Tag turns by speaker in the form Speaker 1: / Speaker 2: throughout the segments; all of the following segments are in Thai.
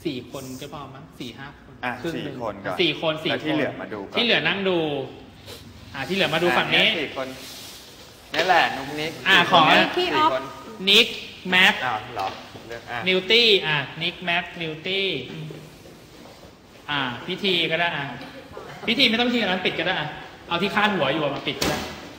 Speaker 1: 4 คนก็พอมั้ง4-5 คน
Speaker 2: 4 คนก่อน
Speaker 1: 4 คน
Speaker 2: ที่เหลือมาดู
Speaker 1: ที่เหลือนั่งดูที่เหลือมาดูฝั่งนี้
Speaker 2: 4 คนนี่แหละนุ๊กนิก
Speaker 1: ขอ
Speaker 3: พี่ออฟ
Speaker 1: นิกแม็ก
Speaker 2: เหรอ
Speaker 1: นิวตี้นิกแม็กนิวตี้พิธีก็ได้พิธีไม่ต้องพิธีนั้นปิดก็ได้เอาที่คาดหัวอยู่มาปิดก็ได้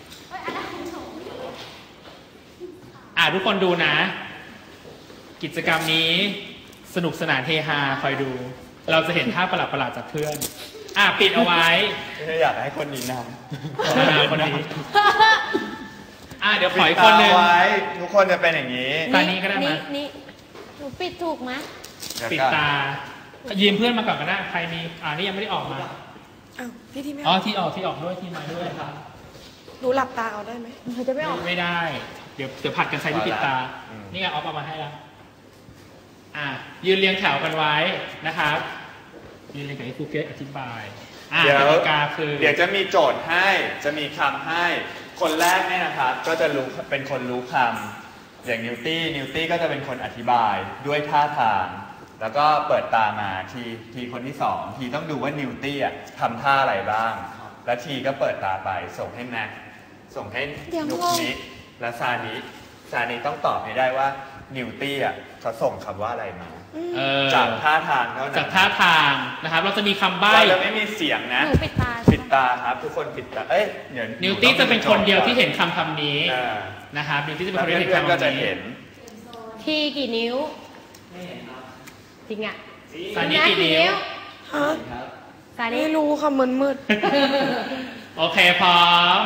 Speaker 1: ทุกคนดูนะกิจกรรมนี้สนุกสนานเฮฮาคอยดูเราจะเห็นท่าประหลาดๆจากเพื่อนปิดเอาไว้
Speaker 2: ไม่อยากให้คนนี้นำ
Speaker 1: คนนี้เดี๋ยวขออีกคนนึง
Speaker 2: ทุกคนจะเป็นอย่างนี้
Speaker 1: ตานี้ก็ได้ไหม
Speaker 3: นี่หนูปิดถูกไหม
Speaker 1: ปิดตายืมเพื่อนมาก่อนก็ได้ใครมีนี่ยังไม่ได้ออกมา
Speaker 3: พี่ที่ไม่
Speaker 1: ที่ออกด้วยที่มาด้วยครับ
Speaker 3: หนูหลับตาเอาได้ไหมเขาจะไม่ออก
Speaker 1: ไม่ได้เดี๋ยวผัดกันใช้ที่ปิดตานี่ไงออฟเอามาให้แล้วยืนเรียงแถวกันไว้นะครับยืนเรียงกับไอ้ครูเกตอธิบาย
Speaker 2: กติกาคือเดี๋ยวจะมีโจทย์ให้จะมีคำให้คนแรกเนี่ยนะครับก็จะรู้เป็นคนรู้คำอย่างนิวตี้ก็จะเป็นคนอธิบายด้วยท่าทางแล้วก็เปิดตามาทีคนที่2ทีต้องดูว่านิวตี้ทำท่าอะไรบ้างแล้วทีก็เปิดตาไปส่งให้แม็กส่งให้นุกนิกและซานิต้องตอบให้ได้ว่านิวตี้เขาส่งคำว่าอะไรมาจากท่าทางเท่านั้น
Speaker 1: จากท่าทางนะครับเราจะมีคำใบ้
Speaker 2: เราจะไม่มีเสียงนะปิดตาครับทุกคนปิดตาเดี๋ยว
Speaker 1: นิวตี้จะเป็นคนเดียวที่เห็นคำนี้นะครับนิวตี้จะเป็นคนเดียวที่เห็นคำนี้
Speaker 3: ทีกี่นิ้วจริง
Speaker 1: ซานิกี่นิ้ว
Speaker 3: ซานิไม่รู้ค่ะมันมืด
Speaker 1: โอเคพร้อม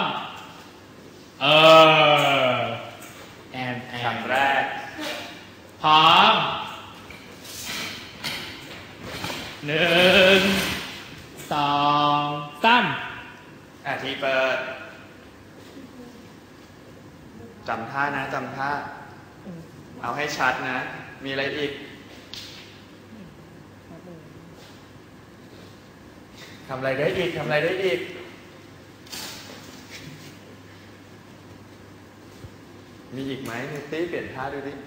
Speaker 2: คำแรก
Speaker 1: พร้อม1 2 3
Speaker 2: ทีเปิดจำท่านะจำท่าเอาให้ชัดนะมีอะไรอีกทำอะไรได้อีกมีอีกไหมนิวตี้เปลี่ยนท่าดูดิ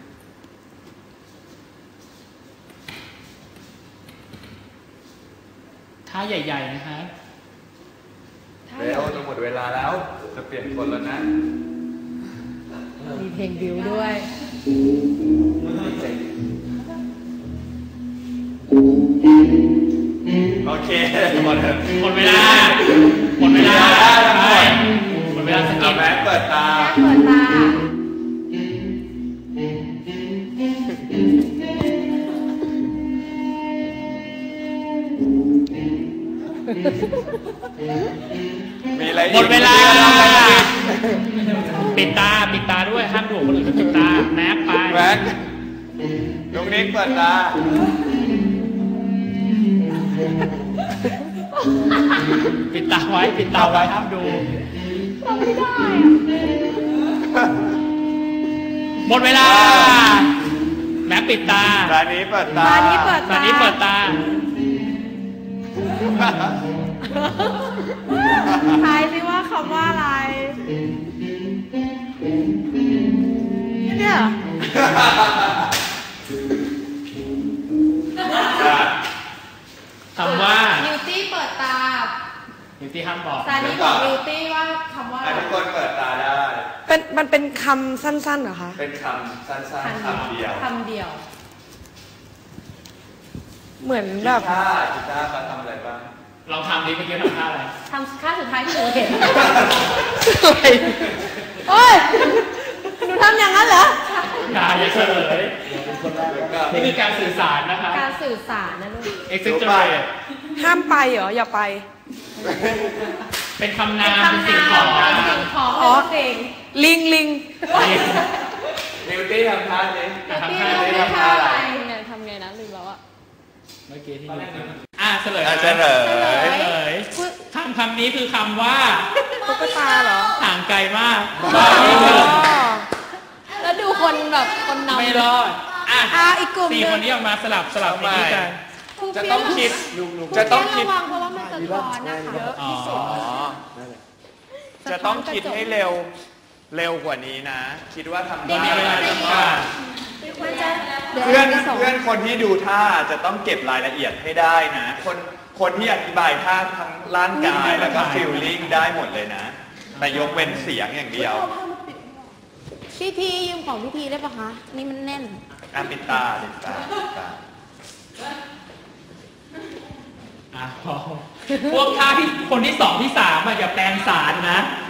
Speaker 1: ท่าใหญ่ๆนะฮะ
Speaker 2: เร็วจะหมดเวลาแล้วจะเปลี่ยนคนแล้วนะ
Speaker 3: มีเพลงบิวด้วย
Speaker 2: โอเคหมด
Speaker 1: เวลาหมดเวลาสกิป
Speaker 2: แม็กเปิดตามีอะไร
Speaker 1: หมดเวลาปิดตาด้วยห้ามดูคนอื่นปิดตาแม็กไป
Speaker 2: ลุงนิกเปิดตา
Speaker 1: ปิดตาไว้ห้ามดู
Speaker 3: ไม่ได้
Speaker 1: หมดเวลาแม็กปิดตา
Speaker 2: ซานิเปิดตา
Speaker 3: ทายสิว่าคำว่าอะไรเนี่ย
Speaker 1: คำว่า
Speaker 3: นิวตี้เปิดตา
Speaker 1: นิวตี้ห้ามบอก
Speaker 3: ซานิบอกนิวตี้ว่าคำว่า
Speaker 2: ทุกคนเปิดตาได้
Speaker 3: มันเป็นคำสั้นๆเหรอคะ
Speaker 2: เป็นคำสั้นๆคำเดียว
Speaker 3: เหมือนแบบ
Speaker 2: กีตาร์เขาทำอะไรบ้าง
Speaker 1: เราทำดีเมื่อกี้ทำท่าอะไร
Speaker 3: ทำท่าสุดท้ายที่หนูเห็นโอ้ยหนูทำอย่างนั้นเหรอ
Speaker 1: อย่าเฉลยนี่คือการสื่อสารนะคะ
Speaker 3: การสื่อสารนะลูก
Speaker 1: ห้
Speaker 3: ามไปเหรออย่าไป
Speaker 1: เป็นคำนามเป็นสิ่งของ
Speaker 3: สิ่งลิง
Speaker 2: นิวตี้ทำท่านี้
Speaker 3: ทำท่าอะไรทำไงนะลืมแล้ว
Speaker 1: เมื่อกี้ที่เฉลยคำนี้คือคำว่า
Speaker 3: ตุ๊กตาเหรอ
Speaker 1: ห่างไกลมาก
Speaker 3: แล้วดูคนแบบคนนำ
Speaker 1: ไม่รอด
Speaker 3: อีกกลุ่ม
Speaker 1: 4 คนนี้ออกมาสลับนี้กัน
Speaker 2: จะต้องคิด
Speaker 3: ระวังเพราะว่ามันจะร้อนนะคะเยอะที่สุด
Speaker 2: จะต้องคิดให้เร็วกว่านี้นะคิดว่าทำได้
Speaker 3: มันจะ
Speaker 2: เพื่อนคนที่ดูท่าจะต้องเก็บรายละเอียดให้ได้นะคนที่อธิบายท่าทั้งร่างกายแล้วก็ฟีลลิ่งได้หมดเลยนะแต่ยกเว้นเสียงอย่างเดียว
Speaker 4: พี่ทียืมของพี่ทีได้ปะคะนี่มันแน่น
Speaker 2: ปิดตา
Speaker 1: พวกท่าที่คนที่สองที่สามอย่าแปลงสารนะ